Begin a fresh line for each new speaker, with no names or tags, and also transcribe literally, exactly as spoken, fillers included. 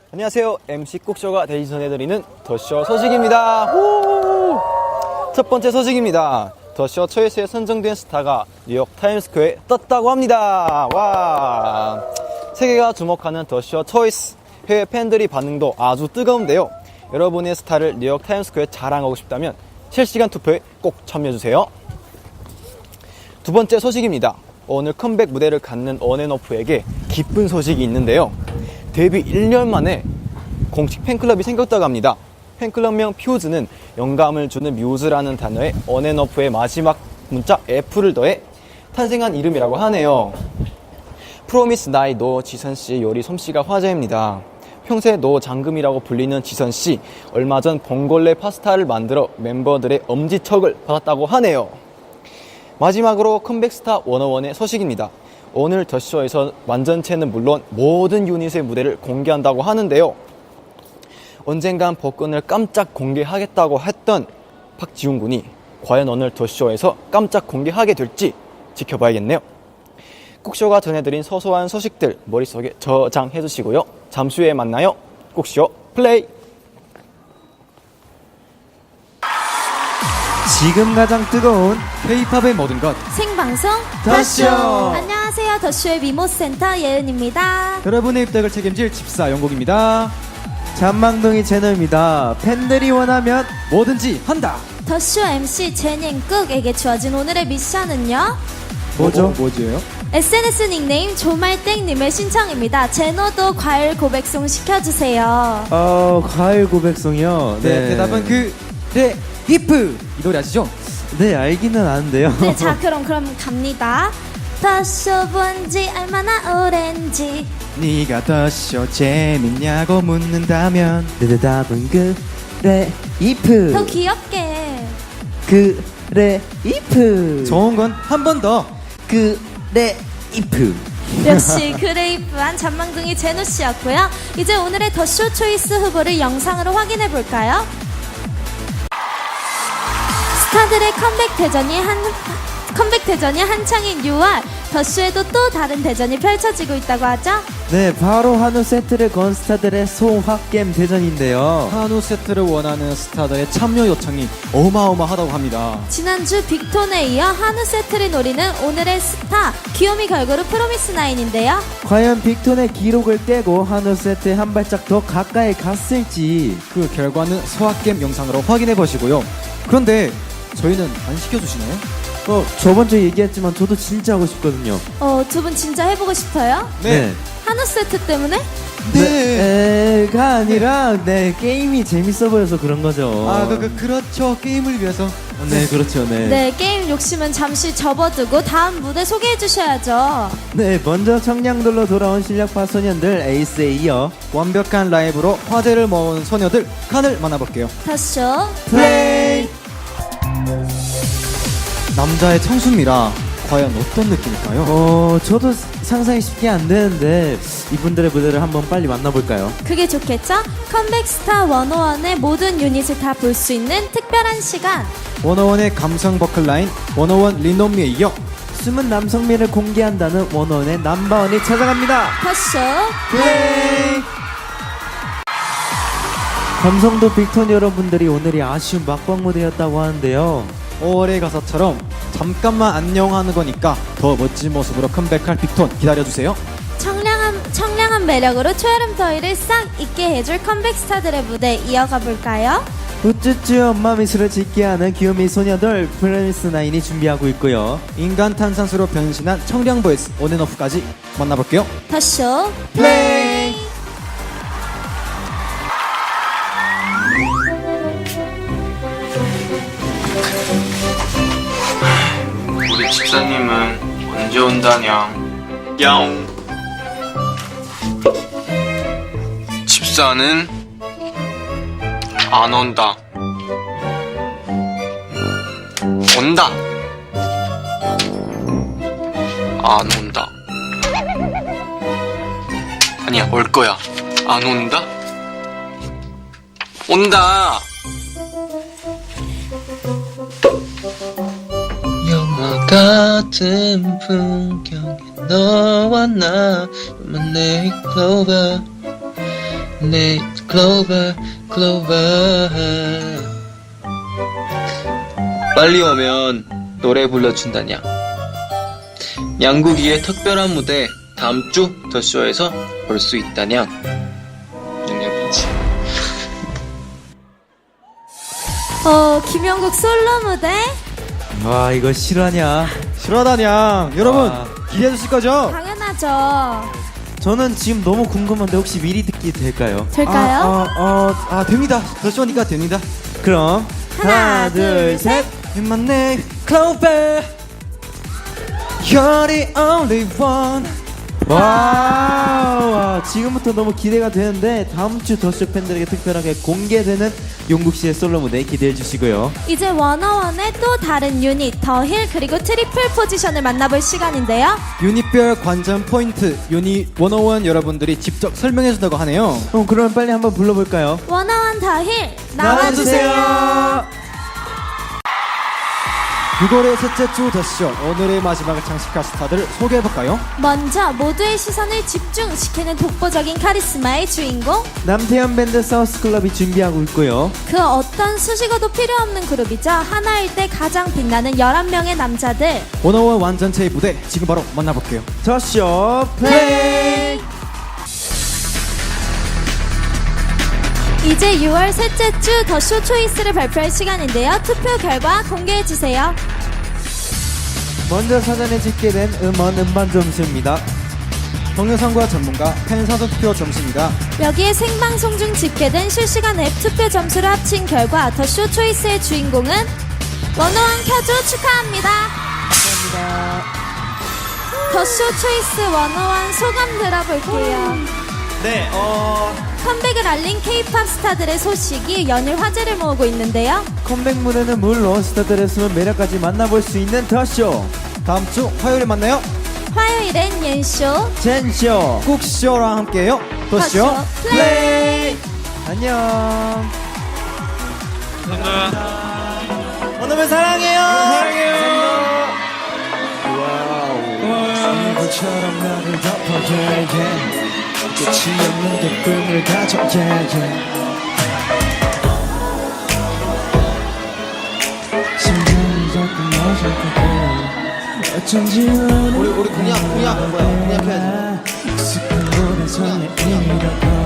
안녕하세요. 엠씨 꾹쇼가 대신 전해드리는 더쇼 소식입니다. 후! 첫 번째 소식입니다. 더쇼 초이스에 선정된 스타가 뉴욕 타임스퀘어에 떴다고 합니다. 와! 세계가 주목하는 더쇼 초이스. 해외 팬들이 반응도 아주 뜨거운데요. 여러분의 스타를 뉴욕 타임스퀘어에 자랑하고 싶다면 실시간 투표에 꼭 참여해주세요. 두 번째 소식입니다. 오늘 컴백 무대를 갖는 온앤오프에게 기쁜 소식이 있는데요. 데뷔 일 년 만에 공식 팬클럽이 생겼다고 합니다. 팬클럽명 퓨즈는 영감을 주는 뮤즈라는 단어에 온앤오프의 마지막 문자 F를 더해 탄생한 이름이라고 하네요. 프로미스 나이 노 지선씨의 요리 솜씨가 화제입니다. 평소에 노 장금이라고 불리는 지선씨, 얼마 전 봉골레 파스타를 만들어 멤버들의 엄지척을 받았다고 하네요. 마지막으로 컴백스타 백일의 소식입니다. 오늘 더쇼에서 완전체는 물론 모든 유닛의 무대를 공개한다고 하는데요. 언젠간 복근을 깜짝 공개하겠다고 했던 박지훈 군이 과연 오늘 더쇼에서 깜짝 공개하게 될지 지켜봐야겠네요. 꾹쇼가 전해드린 소소한 소식들 머릿속에 저장해주시고요. 잠시 후에 만나요. 꾹쇼 플레이!
지금 가장 뜨거운 K-팝의 모든 것
생방송
더쇼!
안녕하세요. 더쇼의 미모센터 예은입니다.
여러분의 입덕을 책임질 집사 영국입니다. 잔망둥이 채널입니다. 팬들이 원하면 뭐든지 한다.
더쇼 엠씨 제닝국에게 주어진 오늘의 미션은요,
뭐죠? 뭐지요?
에스엔에스 닉네임 조말땡님의 신청입니다. 제노도 과일 고백송 시켜주세요.
어, 과일 고백송이요.
네, 대답은 그, 네, 히프! 이 노래 아시죠?
네, 알기는 아는데요.
네, 자 그럼 그럼 갑니다. 더쇼 본지 얼마나 오랜지.
네가 더쇼 재밌냐고 묻는다면
내 대답은 그래 이프.
더 귀엽게.
그래 이프.
좋은 건 한 번 더.
그래 이프.
역시 그레이프한 잔망둥이 제노씨였고요. 이제 오늘의 더쇼 초이스 후보를 영상으로 확인해볼까요? 스타들의 컴백 대전이 한 컴백 대전이 한창인 유월, 더쇼에도 또 다른 대전이 펼쳐지고 있다고 하죠.
네, 바로 한우 세트를 건 스타들의 소확겜 대전인데요.
한우 세트를 원하는 스타들의 참여 요청이 어마어마하다고 합니다.
지난주 빅톤에 이어 한우 세트를 노리는 오늘의 스타 귀요미 걸그룹 프로미스나인인데요.
과연 빅톤의 기록을 깨고 한우 세트에 한 발짝 더 가까이 갔을지.
그 결과는 소확겜 영상으로 확인해 보시고요. 그런데 저희는 안 시켜주시나요?
어, 저번 주에 얘기했지만 저도 진짜 하고 싶거든요.
어, 두 분 진짜 해보고 싶어요?
네.
한우 세트 때문에?
네. 가 아니라 네, 게임이 재밌어 보여서 그런 거죠.
아, 그, 그, 그렇죠. 게임을 위해서.
네, 그렇죠. 네.
네, 게임 욕심은 잠시 접어두고 다음 무대 소개해 주셔야죠.
네, 먼저 청량돌로 돌아온 실력파 소년들 에이스에 이어
완벽한 라이브로 화제를 모은 소녀들 칸을 만나볼게요.
더쇼
플레이.
남자의 청순미라 과연 어떤 느낌일까요?
어, 저도 상상이 쉽게 안 되는데 이분들의 무대를 한번 빨리 만나볼까요?
그게 좋겠죠? 컴백 스타 백일의 모든 유닛을 다 볼 수 있는 특별한 시간.
백일의 감성 버클 라인 백일 리노미에 이어
숨은 남성미를 공개한다는 원원의 넘버원이 찾아갑니다.
더쇼
플레이. 감성도 빅톤 여러분들이 오늘이 아쉬운 막방 무대였다고 하는데요.
오월의 가사처럼 잠깐만 안녕하는 거니까 더 멋진 모습으로 컴백할 빅톤 기다려주세요.
청량한, 청량한 매력으로 초여름 더위를 싹 잊게 해줄 컴백 스타들의 무대 이어가 볼까요?
우쭈쭈 엄마 미소를 짓게 하는 귀요미 소녀들 프로미스나인이 준비하고 있고요.
인간 탄산수로 변신한 청량 보이스 온앤오프까지 만나볼게요.
더쇼
플레이.
우리 집사님은 언제 온다냐? 야옹. 집사는 안 온다. 온다. 안 온다. 아니야, 올 거야. 안 온다. 온다. 영화 같은 풍경에 너와 나만 내클로버 내 클로버 클로버 빨리 오면 노래 불러준다냐. 양국이의 특별한 무대 다음 주 더쇼에서 볼 수 있다냐. 능력이지.
어, 김영국 솔로 무대
와 이거 실화냐?
실화다냥. 여러분,
아.
기대해 주실 거죠?
당연하죠.
저는 지금 너무 궁금한데 혹시 미리 듣기 될까요?
될까요?
아, 아, 아, 아, 됩니다. 더쇼니까 됩니다.
그럼
하나, 둘, 셋.
In my name, Clover. You're the only one. 와, 와, 지금부터 너무 기대가 되는데 다음 주 더쇼 팬들에게 특별하게 공개되는 용국 씨의 솔로 무대 기대해 주시고요.
이제 워너원의 또 다른 유닛 더힐 그리고 트리플 포지션을 만나볼 시간인데요.
유닛별 관전 포인트, 유닛 백일 여러분들이 직접 설명해 준다고 하네요.
그럼 그러면 빨리 한번 불러볼까요?
워너원 더힐 나와주세요.
유월의 셋째 주 더쇼, 오늘의 마지막을 장식할 스타들을 소개해볼까요?
먼저 모두의 시선을 집중시키는 독보적인 카리스마의 주인공,
남태현 밴드 사우스클럽이 준비하고 있고요.
그 어떤 수식어도 필요 없는 그룹이죠. 하나일 때 가장 빛나는 열한 명의 남자들.
원어원 완전체의 무대 지금 바로 만나볼게요.
더쇼 플레이.
이제 유월 셋째 주 더쇼 초이스를 발표할 시간인데요. 투표 결과 공개해주세요.
먼저 사전에 집계된 음원 음반 점수입니다.
동영상과 전문가 팬사전 투표 점수입니다.
여기에 생방송 중 집계된 실시간 앱 투표 점수를 합친 결과 더쇼 초이스의 주인공은 원어원 켜줘 축하합니다.
감사합니다.
더쇼 초이스 원어원 소감 들어볼게요.
네, 어
컴백을 알린 케이팝 스타들의 소식이 연일 화제를 모으고 있는데요.
컴백 무대는 물론 스타들의 숨은 매력까지 만나볼 수 있는 더쇼.
다음 주 화요일에 만나요.
화요일엔 옌쇼,
젠쇼.
꾹쇼랑 함께해요. 더쇼
더쇼 플레이.
안녕. 오늘은 사랑해요. 사랑해요. 와우. 이불처럼 나를 덮어 yeah, yeah. 끝이 없는 게 꿈을 가져 yeah, yeah. 심장이 자꾸 멎어 어쩐지 우리
우리 공약 공약 뭐야? 공약해야지.
익숙한 노래 설레이라고